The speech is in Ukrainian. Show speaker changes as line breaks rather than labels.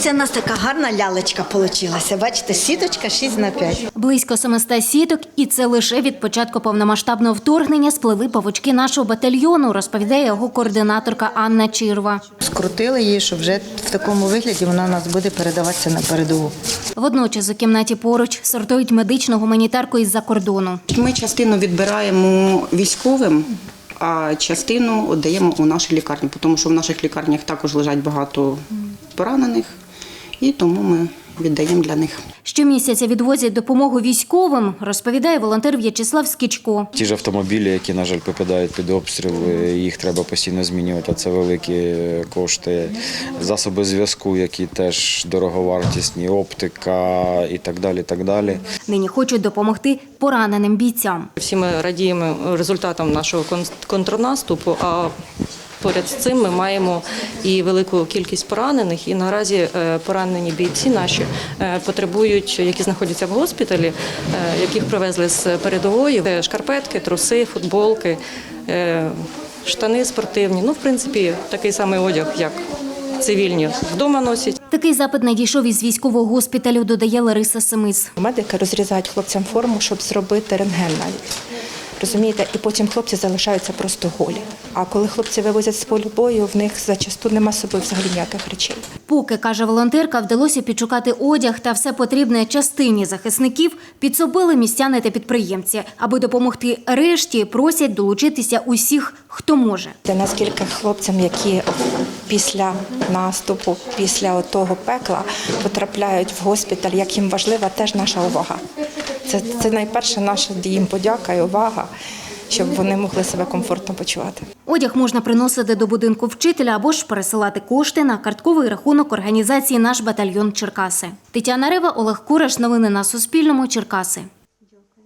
Це у нас така гарна лялечка вийшла. Бачите, сіточка 6х5.
Близько 700 сіток, і це лише від початку повномасштабного вторгнення сплели павучки нашого батальйону, розповідає його координаторка Анна Чирва.
Скрутили її, що вже в такому вигляді вона у нас буде передаватися на передову.
Водночас у кімнаті поруч сортують медичну гуманітарку із-за кордону.
Ми частину відбираємо військовим, а частину віддаємо у наші лікарні, тому що в наших лікарнях також лежать багато поранених, і тому ми віддаємо для них.
Щомісяця відвозять допомогу військовим, розповідає волонтер В'ячеслав Скічко.
Ті ж автомобілі, які, на жаль, попадають під обстріл, їх треба постійно змінювати, а це великі кошти. Засоби зв'язку, які теж дороговартісні, оптика і так далі, так далі.
Нині хочуть допомогти пораненим бійцям.
Всі ми радіємо результатам нашого контрнаступу, а поряд з цим ми маємо і велику кількість поранених, і наразі поранені бійці наші потребують, які знаходяться в госпіталі, яких привезли з передової, шкарпетки, труси, футболки, штани спортивні, в принципі, такий самий одяг, як цивільні вдома носять.
Такий запит надійшов із військового госпіталю, додає Лариса Семис.
Медики розрізають хлопцям форму, щоб зробити рентген навіть. Розумієте, і потім хлопці залишаються просто голі. А коли хлопці вивозять з полю бою, в них зачасту нема з собою взагалі ніяких речей.
Поки, каже волонтерка, вдалося підшукати одяг та все потрібне частині захисників, підсобили містяни та підприємці. Аби допомогти решті, просять долучитися усіх, хто може.
Наскільки хлопцям, які після наступу, після того пекла потрапляють в госпіталь, як їм важлива теж наша увага. Це найперше наша їм подяка і увага, щоб вони могли себе комфортно почувати.
Одяг можна приносити до будинку вчителя або ж пересилати кошти на картковий рахунок організації «Наш батальйон Черкаси». Тетяна Рева, Олег Кураш. Новини на Суспільному. Черкаси.